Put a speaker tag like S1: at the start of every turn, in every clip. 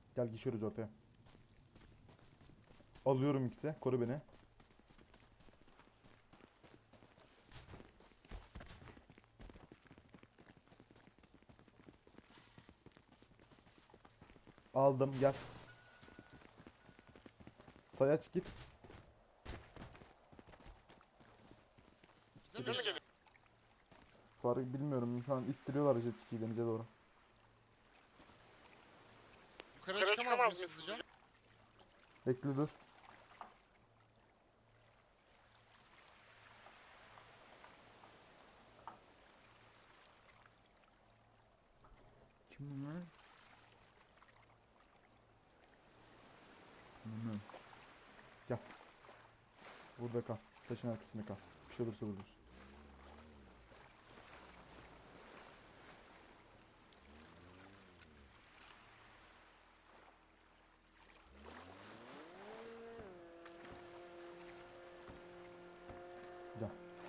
S1: Gel geçiyoruz ortaya. Alıyorum ikisi. Koru beni. Aldım gel. Sayaç git.
S2: Bize mi geliyor?
S1: Fark bilmiyorum. Şu an ittiriyorlar jet ski'yi denize doğru.
S2: Yukarıya çıkamaz mıyız hızlıca?
S1: Bekle dur. Kim bunlar? Bilmiyorum. Gel. Burada kal. Taşın arkasında kal. Bir şey olursa vururuz. Gel.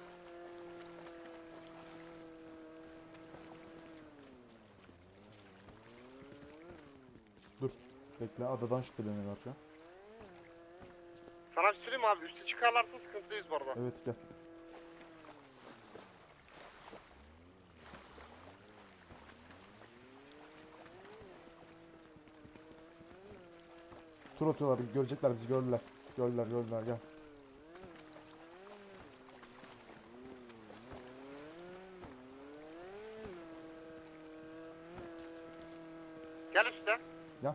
S1: Dur. Bekle. Adadan şüpheleniyorlar şu an.
S3: Sana bir söyleyeyim abi, üste çıkarlarsa sıkıntılıyız bu arada.
S1: Evet gel. Tur atıyorlar. Görecekler bizi. Gördüler. Gördüler. Gel.
S3: Gel üste.
S1: Gel.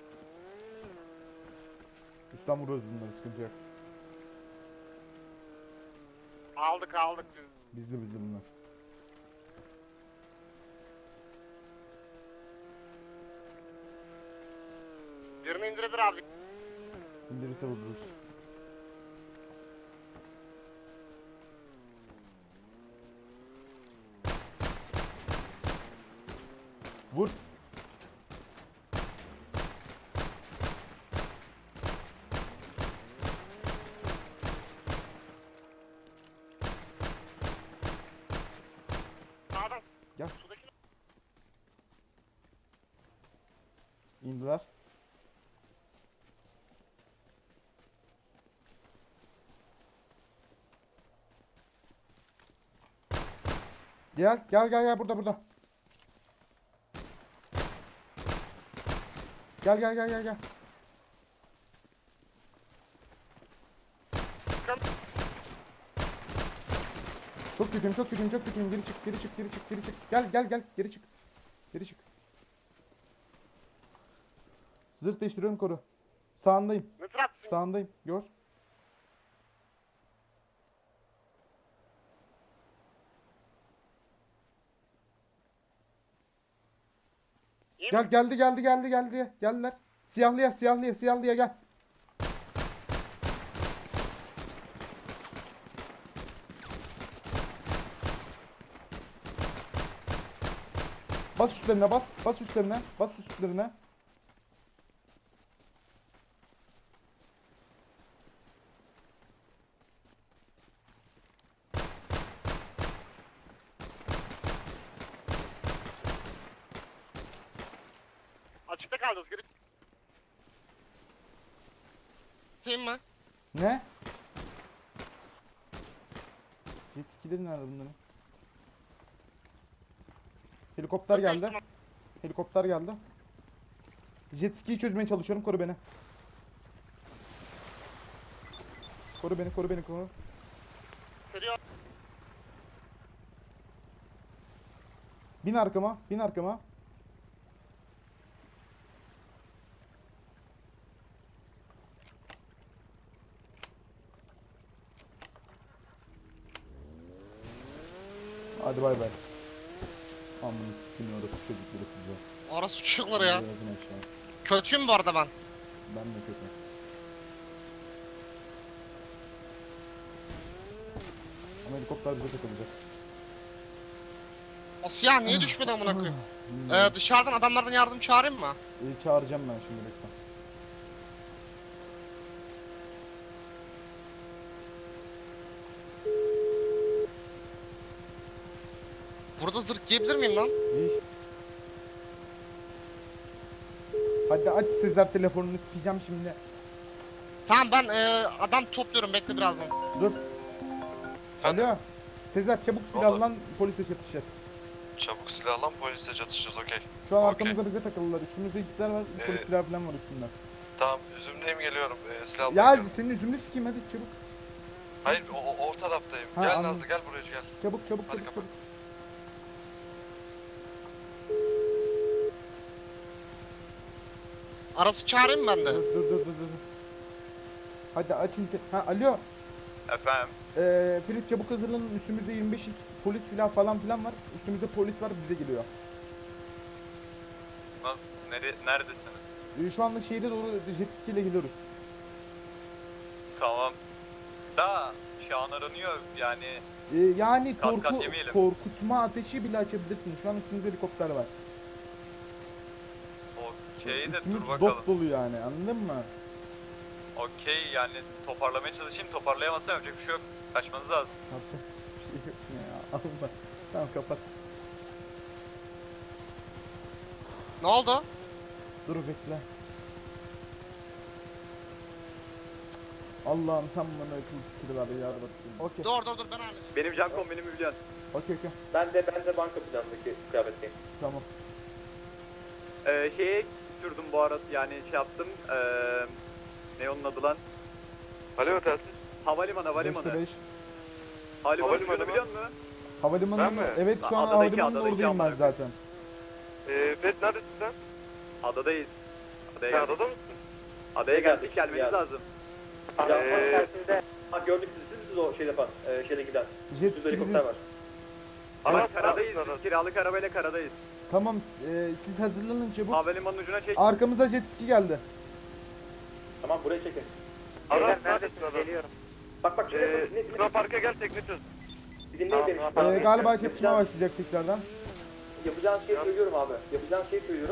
S1: Üstten vuruyoruz bunları. Sıkıntı yok.
S3: Aldık biz.
S1: Bizde bunlar.
S3: Birini indirebilir abi.
S1: İndirirse vururuz. Vur.
S3: Sağdan.
S1: Gel.
S3: Sudaki
S1: İndiler. Gel burada. Gel. Çok kötüyüm. Geri çık. Gel. Geri çık. Zırh değiştiriyorum koru. Sağındayım.
S3: ne tarafsın?
S1: Sağındayım. Gör.
S3: İyi
S1: Gel
S3: mi?
S1: geldi. Geldiler. Siyahlıya gel. Bas üstlerine.
S3: Açıkta kalacağız. Geri.
S2: Atayım mı?
S1: Ne? Jet skileri nerede bunların? Helikopter geldi. Jet ski'yi çözmeye çalışıyorum. Koru beni. Koru.
S3: Geliyor.
S1: Bin arkama. Hadi bay bay. Amına sikeyim orası çocukları size.
S2: Orası çocukları ya.
S1: Yazın aşağı.
S2: Kötüyüm bu arada ben.
S1: Ben de kötü. Ama helikopter bize takılacak.
S2: O siyah niye düşmedi amına koyayım?
S1: Bilmiyorum.
S2: Dışarıdan adamlardan yardım çağırayım mı?
S1: Çağıracağım ben şimdi bekle.
S2: Burada zırh giyebilir miyim lan?
S1: İyi. Hadi aç Sezer telefonunu, sikeceğim şimdi.
S2: Tamam ben adam topluyorum bekle birazdan.
S1: Dur. Alo. Sezer çabuk silahlan, polise çatışacağız.
S4: Çabuk silahlan polise çatışacağız okey.
S1: Şu an
S4: Okey.
S1: arkamızda bize takıldılar. Üstümüzde ikizler var. Polis silahı falan var üstünde.
S4: Tamam üzümdeyim geliyorum. Silah
S1: Ya
S4: bakıyorum.
S1: senin üzümünü sikeyim hadi çabuk.
S4: Hayır o taraftayım.
S1: Ha,
S4: Gel
S1: anladım.
S4: Nazlı gel buraya gel.
S1: Çabuk
S4: Hadi
S1: çabuk
S4: kapat.
S1: çabuk.
S2: Arası çağırayım mı ben de?
S1: Dur. Hadi aç Ha alo.
S5: Efendim?
S1: Ferit çabuk hazırlanın. Üstümüzde 25 polis silah falan filan var. Üstümüzde polis var, bize geliyor.
S5: Neredesiniz?
S1: Şu anda şehire doğru jet ski ile gidiyoruz.
S5: Tamam. Da şu an aranıyor yani.
S1: Yani
S5: Kat kat yemeyelim.
S1: korkutma ateşi bile açabilirsin. Şu an üstümüzde helikopter var.
S5: Okey de
S1: Üstümüz
S5: dur bakalım.
S1: dop dolu yani, anladın mı?
S5: Okey yani toparlamaya çalışayım. Toparlayamazsam yapacak bir şey yok. Kaçmanız lazım.
S1: Yapacak bir şey yok ya. Allah. Tamam kapat.
S2: Ne oldu?
S1: Dur bekle. Allah'ım sen bana akıl fikri ver ya Rabbim. Okey.
S2: Dur ben halledeceğim.
S5: Benim Cankon, benim Hülyan.
S1: Okey.
S3: Ben de banka planındaki kıyafetteyim.
S1: Tamam.
S5: Şeye sürdüm bu arada yani şey yaptım. Ne onun adı lan?
S4: Alo telsiz.
S5: Havalimanı.
S1: 5'te 5.
S5: Havalimanı
S4: Havalimanı mı?
S5: biliyor musun?
S1: Havalimanı
S4: Ben
S1: mı?
S4: mi?
S1: Evet şu an
S5: Adadaki,
S1: havalimanında
S5: adadaki
S1: oradayım ben
S5: amına
S1: zaten.
S4: Ferit neredesin sen?
S5: Adadayız. Adaya
S4: Sen
S5: geldik.
S4: adada mısın?
S5: Adaya geldik, gelmeniz lazım.
S3: Ha gördük siz o şeyde falan, şeyde giden.
S1: Jet
S3: Üstünde
S1: ski
S3: helikopter
S1: biziz.
S3: var.
S5: Ama
S4: Aras,
S5: karadayız,
S4: Aras, Aras.
S5: biz kiralık arabayla karadayız.
S1: Tamam siz hazırlanın çabuk.
S5: Havalimanının ucuna çek.
S1: Arkamızda jet ski geldi.
S3: Tamam buraya çekin.
S4: Aras neredesin Aras?
S3: Geliyorum. Bak şuraya bak.
S4: Luna Park'a gel tekne çöz.
S3: Bir dinleyin beni.
S1: Galiba çatışma başlayacak tekrardan.
S3: Yapacağınız şeyi söylüyorum abi. Yapacağınız şeyi söylüyorum.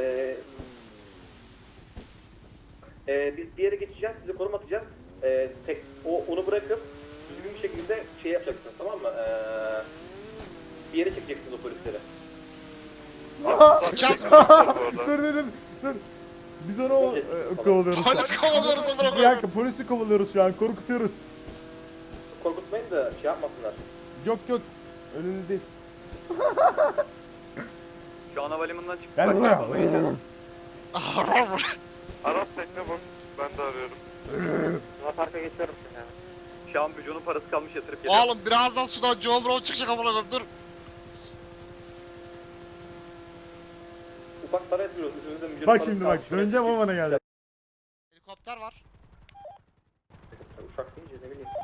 S3: Biz bir yere geçeceğiz, size konum atacağız. Onu bırakıp düzgün bir şekilde şey yapacaksınız, tamam mı? Bir yere çekeceksiniz o polisleri.
S2: Sıkacağız mı?
S1: Dur. Biz onu kovalıyoruz.
S2: Polis kovalıyoruz amına
S1: Bir
S2: koyayım.
S1: dakika polisi kovalıyoruz şu an, korkutuyoruz.
S3: Korkutmayın da şey yapmasınlar.
S1: Yok öyle değil.
S5: Şu an havalimanından çıktık.
S1: Gel
S5: Bak,
S1: buraya.
S5: yapalım.
S4: Aras tekne bak. Ben de arıyorum.
S3: Luna Park'a geçiyorum şimdi.
S5: Şu an Büco'nun parası kalmış yatırıp geliyor.
S2: Oğlum birazdan sudan John Brown çıkacak amına koyayım dur.
S3: Ufak para yapıyoruz. Üstümüzde mücadele
S1: Bak şimdi bak, döneceğim o bana geldi.
S2: Helikopter var.
S3: Uşak deyince ne bileyim.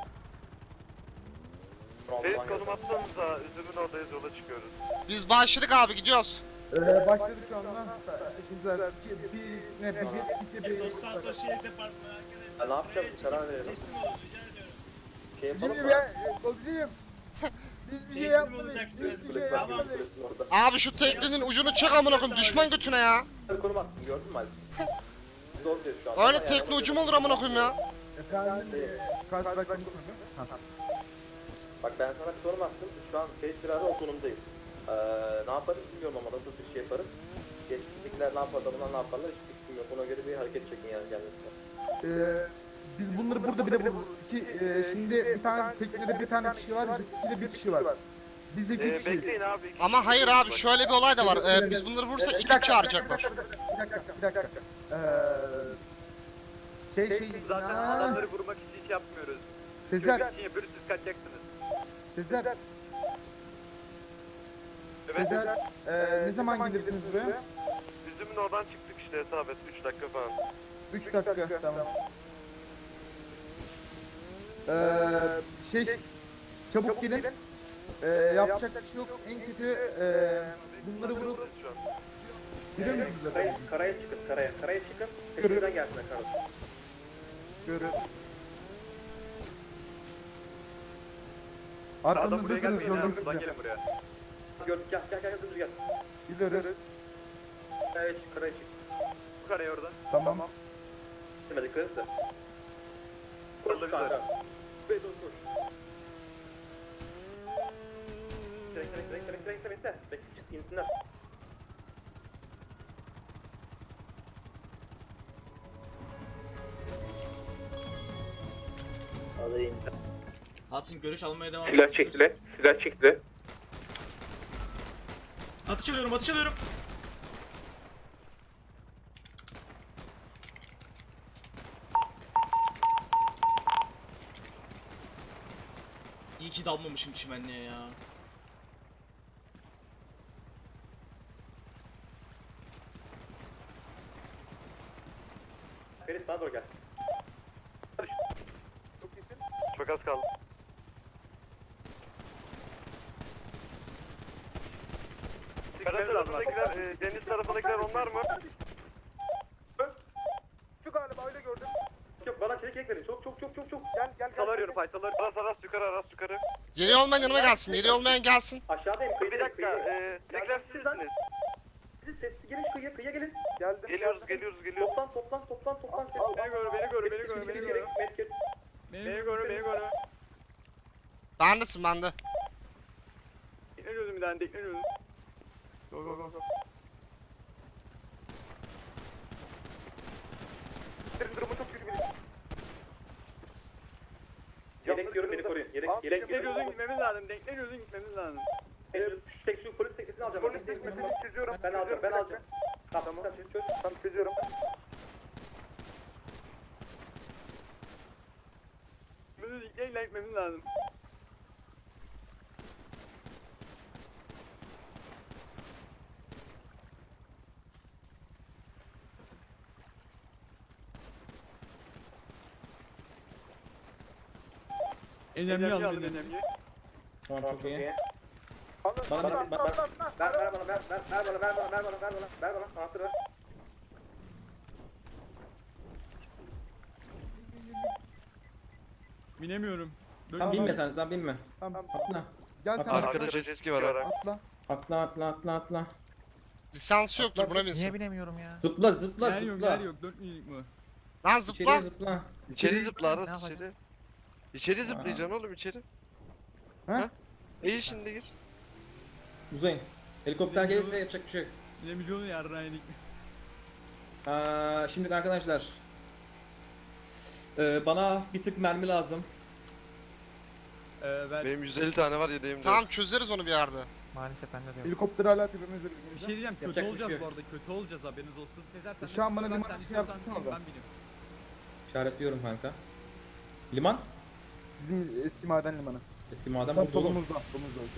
S4: Ferit konum atsanıza. Üzümün oradayız yola çıkıyoruz.
S2: Biz başladık abi gidiyoruz.
S1: Başladık şu anda. Güzel. Bir jet ski bir...
S6: Los Santos Şehir Departmanı arkadaşlar.
S3: Ya ne yapacağız?
S6: buraya
S3: Karar verelim.
S6: Teslim olun rica ediyorum.
S3: Şey yapalım
S1: Şimdi
S3: mı?
S1: komiserim. Biz bir şey
S6: Teslim
S1: yapmadık.
S6: olacaksınız.
S3: Kulüp var,
S6: Tamam.
S3: kulübün orada.
S2: Abi şu teknenin ucunu çek amına koyayım düşman götüne ya.
S3: Hadi konum attım, gördün mü Ali? Doğru diyor şu an.
S2: Öyle
S3: Ama
S2: tekne
S3: yani-
S2: ucu mu olur amına koyayım ya?
S1: Efendim, karşıdaki
S3: Bak ben sana bir sorum attım. Şu an Facebook'larda o konumdayım. Ne yaparız bilmiyorum ama nasıl bir şey yaparız. Geçtikler ne yapar, adamlar ne yaparlar hiç fikrim yok. Ona göre bir hareket çekin yani kendinize.
S1: Biz bunları burada bir de şimdi bir tane teknede bir tane kişi var, jet ski'de bir kişi var. Biz de iki kişiyiz.
S4: Bekleyin abi.
S2: Ama hayır abi şöyle bir olay da var. Biz bunları vurursak iki çağıracaklar.
S1: Bir dakika. Şey,
S5: Zaten adamları vurmak için hiç yapmıyoruz.
S1: Sezer,
S5: Çocuk için yapıyoruz, siz kaçacaksınız.
S1: Sezer,
S4: Evet.
S1: Sezer, ne zaman gelirsiniz buraya?
S4: Üzümün oradan çıktık işte hesap et. 3 dakika falan.
S1: 3 dakika, tamam. Çabuk gelin. Yapacak bir şey yok. En kötü bunları vurup
S4: Şu an.
S1: biliyor musunuz zaten?
S3: Karaya çıkın, karaya çıkın.
S1: Görün.
S3: Peşimizden gelsinler kardeşim.
S1: Görün.
S5: Adam buraya
S1: Arkamızdasınız,
S5: gelmeyin
S1: gördüm
S5: abi, buradan
S1: sizi.
S5: gelin buraya.
S3: Gördük, gel, dümdüz gel.
S1: Gidiyoruz.
S3: Karaya çık.
S5: Bu karaya orada.
S1: Tamam.
S3: Dime dikkat et de.
S5: Orada
S3: Koş
S5: bir
S3: kanka.
S5: de.
S3: Ve dur koş. Bekle. İnsinler.
S6: Hudson görüş almaya devam
S3: Silah çektiler. Silah çektiler.
S6: Atış alıyorum, atış alıyorum. İyi ki dalmamışım çimenliğe ya.
S3: Ferit bana doğru gel.
S4: Çok az kaldı. Kara tarafındakiler, deniz tarafındakiler onlar mı?
S1: Şu galiba öyle gördüm.
S3: Yok bana çelik ek verin. Çok.
S1: Gel.
S4: Sal arıyorum Pay, sal arıyorum. Aras yukarı, Aras yukarı.
S2: Yeri olmayan yanıma gelsin. Yeri olmayan gelsin.
S3: Aşağıdayım.
S4: Bir dakika, tekrar sizsiniz.
S3: Siz sesli gelin kıyıya gelin.
S1: Geldim.
S4: Geliyoruz.
S3: Toplan.
S4: Beni gör.
S3: Medkit.
S4: Beni gör.
S2: Bendesin bende.
S4: Tekneliyoruz bir tane, tekneliyoruz. Go.
S1: Durumu çok kötü.
S3: Yelek diyorum beni koruyun. Yelek.
S4: Tekneliyoruz, gitmemiz lazım.
S3: Şu polis teknesini alacağım. Ben alacağım. Tamam. Çöz.
S1: Tamam çözüyorum.
S4: Gitmemiz lazım.
S7: Önemli alın önemli.
S3: Tamam çok iyi.
S1: Alın.
S3: Bana
S1: Alın.
S3: ver bana. Anahtarı ver.
S7: Binemiyorum.
S1: Tamam,
S8: Binme sen binme.
S1: Tamam.
S8: Atla.
S1: Gel sen.
S4: Arkada jet ski var.
S1: Atla.
S8: Atla.
S2: Lisansı yoktur buna binsin.
S8: Zıpla.
S7: Yer yok 4 minik mi?
S2: Lan
S8: İçeriye
S2: zıpla.
S8: zıpla.
S9: İçeri zıpla Aras içeri. İçeri zıplayacaksın oğlum içeri.
S1: Ha?
S9: İyi şimdi gir.
S8: Uzayın. Helikopter gelirse yapacak bir şey yok.
S7: Bilemeyeceğim yarraynik.
S8: Şimdi arkadaşlar. Bana bir tık mermi lazım.
S7: Ben
S9: Benim 150 tane var yedeğimde.
S2: Tamam çözeriz onu bir yerde.
S1: Helikopter hala tepemizde.
S7: bir şey diyeceğim, kötü
S8: Yapacak bir
S7: olacağız
S8: şey
S7: bu
S8: yok.
S7: arada, kötü olacağız, haberiniz olsun. Sezer sen
S1: Şu an bana
S7: sen
S1: liman
S7: istiyorsan
S1: yapsana
S7: bin,
S1: orada.
S7: ben bineyim.
S8: İşaretliyorum kanka. Liman.
S1: Bizim eski maden limanı.
S8: Eski maden
S1: Tam
S8: bu dolu.
S1: solumuzda. Okey.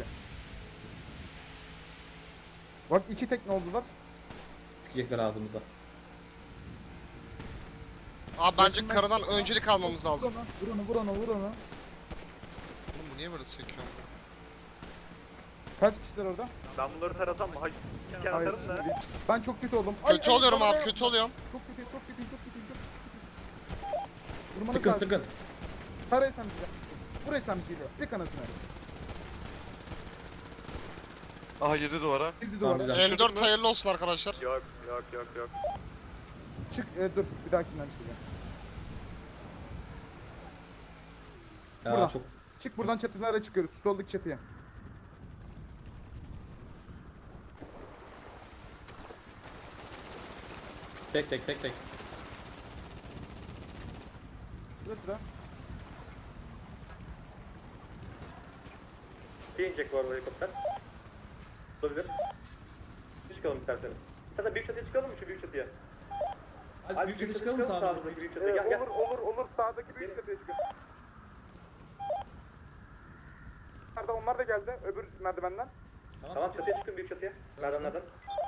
S1: Bak 2 tekne oldular.
S8: Sikecekler ağzımıza.
S2: Abi bence karadan öncelik almamız lazım.
S1: Vur onu.
S2: Oğlum bu niye böyle sekiyor?
S1: Kaç kişiler orada?
S4: Ben bunları tarasam mı? Hayır.
S1: Hayır. Ben çok kötü oldum.
S2: Kötü oluyorum abi, kötü oluyorum.
S1: Çok kötü. Vurmanı
S8: Sıkın.
S1: Tara SMG'yle. Vur SMG'yle. Dik anasını.
S9: Aha girdi duvara.
S1: Girdi
S8: Tamam,
S1: duvara.
S8: güzel.
S2: M4 hayırlı olsun arkadaşlar.
S4: Yok.
S1: Çık dur bir dahakinden çıkacağım.
S8: Ya
S1: Buradan.
S8: çok.
S1: Çık buradan çatılara çıkıyoruz. Şu soldaki çatıya.
S8: Tek.
S1: Burası da.
S3: İnecek bu arada helikopter. Olabilir. Çıkalım isterseniz. İstersen büyük çatıya çıkalım mı şu büyük çatıya?
S8: Hadi büyük çatıya çıkalım mı sağımıza?
S3: Sağımızdaki büyük çatıya. Gel.
S1: Olur. Sağdaki büyük çatıya çıkın. Onlar da geldi. Öbür merdivenden.
S3: Tamam çatıya çıkın büyük çatıya. Merdivenlerden.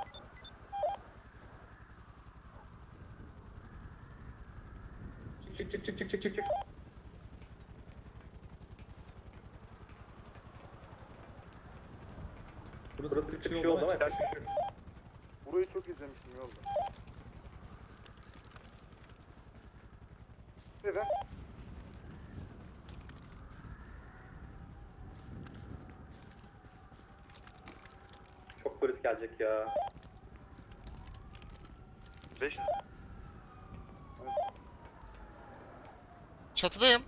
S8: Çık.
S3: Burası bir şey oldu ama yapacak bir şey yok.
S1: Burayı çok izlemiştim yolda. Neden?
S3: Çok polis gelecek ya.
S4: 5.
S2: Çatıdayım.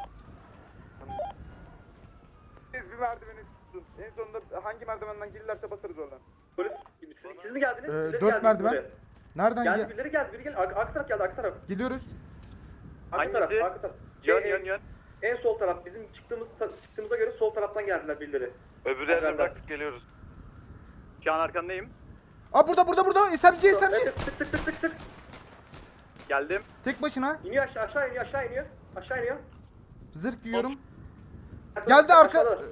S1: Siz bir merdiveni tutun. En sonunda hangi merdivenden gelirlerse basarız oradan.
S3: Polis, siz mi geldiniz? Birileri
S1: 4
S3: geldi
S1: merdiven.
S3: buraya.
S1: Nereden
S3: Geldi biri geldi. Arka taraf geldi arka taraf.
S1: Geliyoruz.
S3: Arka taraf.
S4: Yön.
S3: En sol taraf bizim çıktığımıza göre sol taraftan geldiler birileri.
S4: Öbür yerden bıraktık geliyoruz. Şu an arkandayım.
S1: Aa burada. SMG.
S3: Evet, tık.
S4: Geldim.
S1: Tek başına.
S3: İniyor aşağı iniyor. Aşağı iniyor.
S1: Zırh giyiyorum. Geldi arka.
S3: Aşağıda.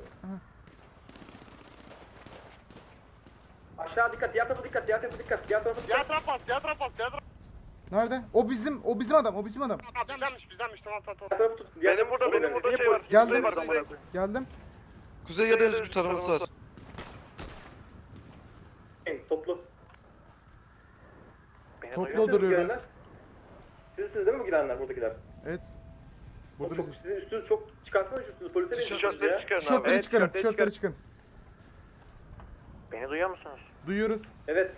S3: Aşağı dikkat, diğer tarafa dikkat. Diğer tarafa dikkat.
S4: Diğer taraf bas.
S1: Nerede? O bizim adam.
S4: Bizdenmiş tamam.
S3: Diğer tarafı tut.
S4: Benim burada şey var.
S1: Geldim.
S4: Var, amına koyayım.
S1: Geldim.
S9: Kuzey ya da özgür taraması var.
S3: Toplu.
S1: Toplu duruyoruz.
S3: Sizsiniz değil mi bu girenler, buradakiler?
S1: Evet. Burada
S3: Çok,
S1: biz.
S3: sizin üstünüz çok çıkartsanız üstünüzü polise veriyorsunuz ya.
S1: Tişörtleri çıkarın.
S4: Beni duyuyor musunuz?
S1: Duyuyoruz.
S3: Evet.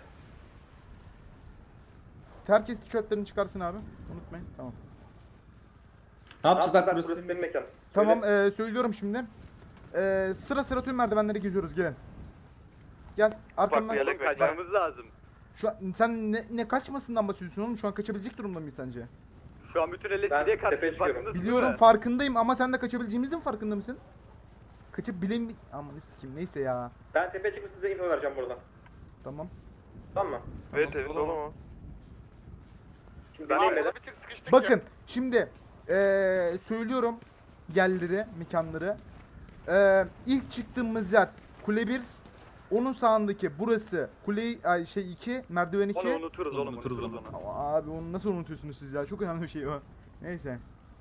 S1: Herkes tişörtlerini çıkarsın abi. Unutmayın. Tamam.
S8: Ne yapacağız lan
S3: Burası
S8: burası?
S3: benim mekan.
S1: Tamam söylüyorum şimdi. Sıra tüm merdivenleri geziyoruz gelin. Gel arkamdan.
S4: Kaçmamız lazım.
S1: Şu an sen ne kaçmasından bahsediyorsun oğlum? Şu an kaçabilecek durumda mıyız sence?
S4: Şu an bütün
S3: Ben
S4: LSD'ye
S3: tepeye
S4: karşı
S3: çıkıyorum.
S4: farkındasın
S1: Biliyorum
S4: değil mi?
S1: farkındayım ama sen de kaçabileceğimizin farkında mısın? Kaçabileyim mi? Aman sikim neyse ya.
S3: Ben tepeye çıkıp size info vereceğim buradan.
S1: Tamam.
S3: Tamam mı?
S4: Evet dolu mu?
S3: Şimdi deneyim beyler.
S1: Bakın şimdi söylüyorum yerleri, mekanları. İlk çıktığımız yer kule 1. Onun sağındaki burası kule 2, merdiven 2.
S4: Onu unuturuz onu.
S1: Ama abi onu nasıl unutuyorsunuz siz ya? Çok önemli bir şey o. Neyse.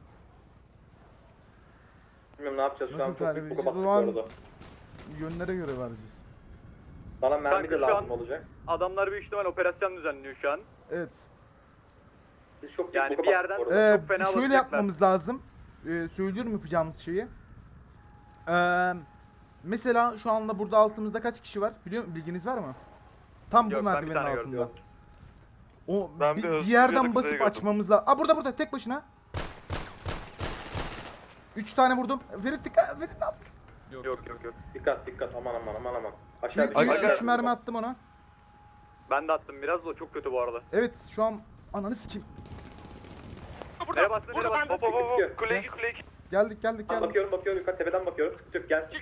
S3: Bilmiyorum ne yapacağız şu
S1: Nasıl
S3: an, çok
S1: tarif
S3: büyük
S1: edeceğiz?
S3: bu
S1: O zaman
S3: arada.
S1: yönlere göre vereceğiz.
S3: Bana mermi de
S4: Kanka şu
S3: lazım
S4: an-
S3: olacak.
S4: Adamlar büyük ihtimal operasyon düzenliyor şu an.
S1: Evet.
S3: Biz çok
S4: Yani
S3: büyük
S4: bir yerden-
S3: bu arada.
S4: Çok fena
S1: Şöyle
S4: alacaklar.
S1: yapmamız lazım. Söylüyorum yapacağımız şeyi. Mesela şu anda burada altımızda kaç kişi var? Bilginiz var mı? Tam bu
S4: Yok, ben bir
S1: merdivenin
S4: tane
S1: altında.
S4: gördüm.
S1: O
S4: Ben
S1: bir,
S4: bir
S1: bir
S4: Özgür
S1: yerden
S4: Yadaklı'yı
S1: basıp
S4: gördüm.
S1: açmamız lazım. Aa burada tek başına. 3 tane vurdum. Ferit dikkat. Ferit ne yaptın?
S4: Yok.
S3: Dikkat aman. Aşağı bir
S9: Aga,
S1: 3 mermi attım ona.
S4: Ben de attım biraz da çok kötü bu arada.
S1: Evet şu an ananı sikeyim.
S4: Nereye bastın? Hop. Kule 2.
S1: Geldik.
S3: Bakıyorum yukarı tepeden bakıyorum. Sıkıntı yok, gel.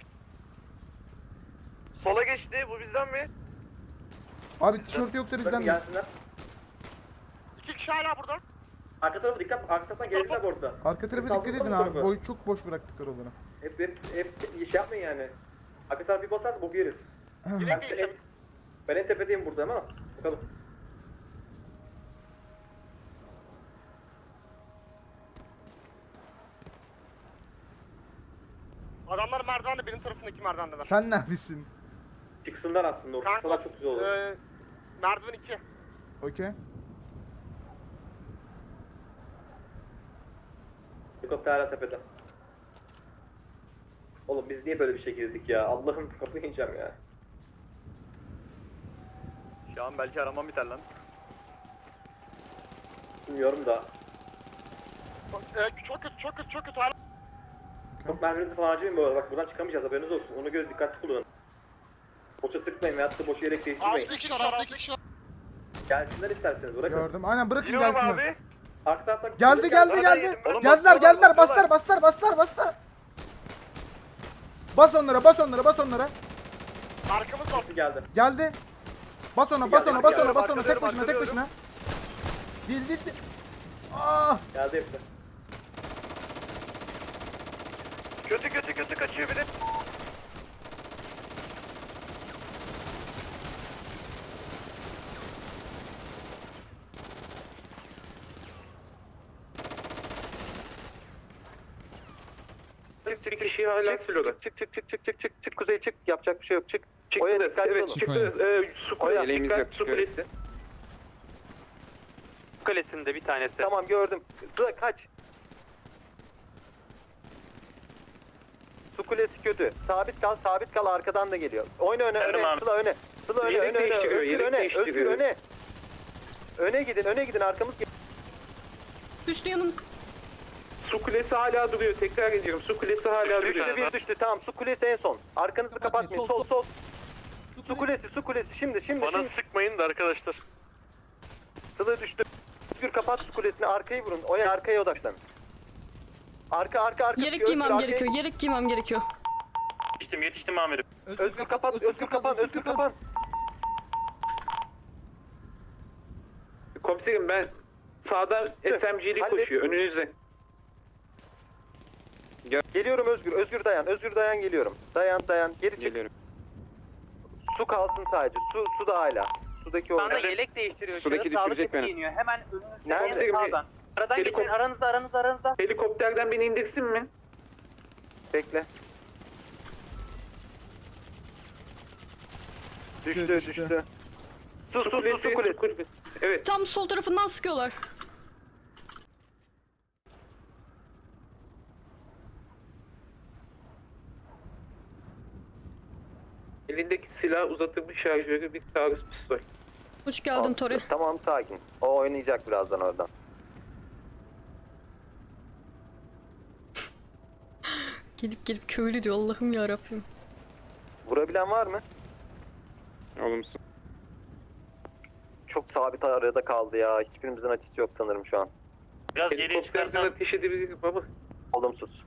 S4: Sola geçti. Bu bizden mi?
S1: Abi tişört yoksa
S3: Bakın
S1: bizden de.
S3: gelsinler.
S4: 2 kişi hala burada.
S3: Arka tarafa dikkat, arka taraftan gelirler bu arada.
S1: Arka tarafa
S3: Saldırı
S1: dikkat edin
S3: var mı
S1: abi.
S3: tarafa?
S1: Boy çok boş bıraktık oraları.
S3: Hep şey yapmayın yani. Arka tarafı bir basar bu yeriz. Ben en tepedeyim burada ama bakalım.
S4: Adamlar merdivende, benim tarafındaki merdivendeler.
S1: Sen neredesin?
S3: Çıksınlar aslında orada. Çıksalar çok güzel olur.
S4: Merdiven 2.
S1: Okey.
S3: Helikopter hala tepede. Oğlum biz niye böyle bir şey girdik ya? Allah'ım kapıyı yiyeceğim ya.
S4: Şu an belki aramam biter lan.
S3: Bilmiyorum da.
S4: Çok kötü hala.
S3: Çok merminizi falan harcamayın bu arada. Bak buradan çıkamayacağız, haberiniz olsun. Ona göre dikkatli kullanın. Boşa sıkmayın veyahut da boş yere değiştirmeyin.
S2: 6 kişi var.
S3: Gelsinler isterseniz bırakın.
S1: Gördüm. Aynen bırakın
S4: Giriyorum
S1: gelsinler.
S4: abi.
S3: Arka taraftan...
S1: Geldi.
S4: Oğlum,
S1: Geldiler.
S4: bastılar.
S1: Bastılar. Bas onlara.
S4: Arkamız var.
S3: Geldi.
S1: Geldi. Bas ona. Tek başına. Değil. Ah!
S3: Geldi hepsi.
S4: Kötü kaçıyor biri.
S3: Çık kişiyi hala sürüyorlar. Çık kuzey çık. Yapacak bir şey yok, çık. Oya dikkatli olun. Su kulesi.
S4: Kalesinde bir tanesi.
S3: Tamam gördüm. Sıra kaç. Su kulesi kötü. Sabit kal arkadan da geliyor. Oyna öne. Sıla öne. Özgür öne. Öne gidin arkamız geliyor.
S10: Düştü yanım.
S3: Su kulesi hala duruyor. Tekrar ediyorum. Su kulesi hala duruyor. Bir düştü. Tamam. Su kulesi en son. Arkanızı kapatmayın. Sol. Su kulesi. Şimdi.
S4: Sıkmayın da arkadaşlar.
S3: Sıla düştü. Özgür kapat su kulesini. Arkayı vurun. Oya arkaya odaklanın. Arka.
S10: Yelek giymem gerekiyor. Yelek giymem gerekiyor.
S4: Yetiştim amirim.
S9: Özgür kapat, Özgür kapan.
S3: Komiserim ben sağdan SMG'li koşuyor önünüzde.
S4: Geliyorum Özgür dayan geliyorum. Dayan geri çık. Su kalsın sadece. Su da hala. Sudaki o.
S3: Bana
S4: yelek değiştiriyor.
S3: Sudaki düşürecek beni.
S4: Giyiniyor. Hemen
S3: Nerede?
S4: sağdan. Aradan geçin aranızda.
S3: Helikopterden beni indirsin mi?
S4: Bekle. Düştü. Su kulesi.
S3: Evet.
S10: Tam sol tarafından sıkıyorlar.
S3: Elindeki silah uzatılmış şarjörü bir taarruz pistol.
S10: Hoş geldin Tori.
S4: Tamam sakin. O oynayacak birazdan oradan.
S10: Gelip köylü diyor Allah'ım ya Rabbim.
S4: Vurabilen var mı?
S3: Olumsuz.
S4: Çok sabit arada kaldı ya. Hiçbirimizin açısı yok sanırım şu an.
S3: Biraz geriye çıkarsan ateş edebilirim ama.
S4: Olumsuz.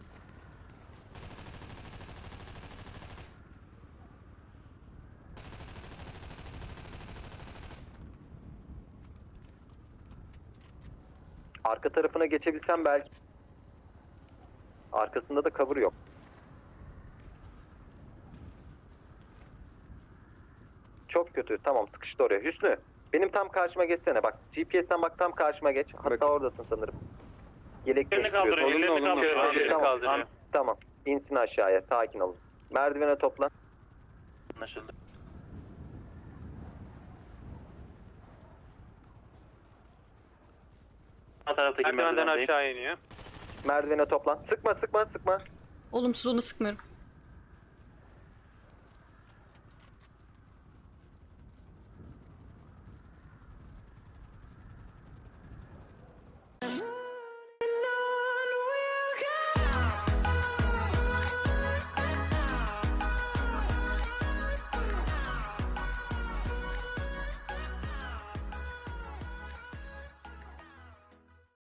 S4: Arka tarafına geçebilsem belki. Arkasında da cover yok. Çok kötü. Tamam sıkıştı oraya. Hüsnü benim tam karşıma geçsene. Bak GPS'ten bak tam karşıma geç. Hatta oradasın sanırım. Yelek değiştiriyorsun. Tamam. İnsin aşağıya. Sakin olun. Merdivene toplan. Anlaşıldı.
S3: Merdivenden aşağı iniyor.
S4: Merdivene toplan. Sıkma.
S10: Olumsuz onu sıkmıyorum.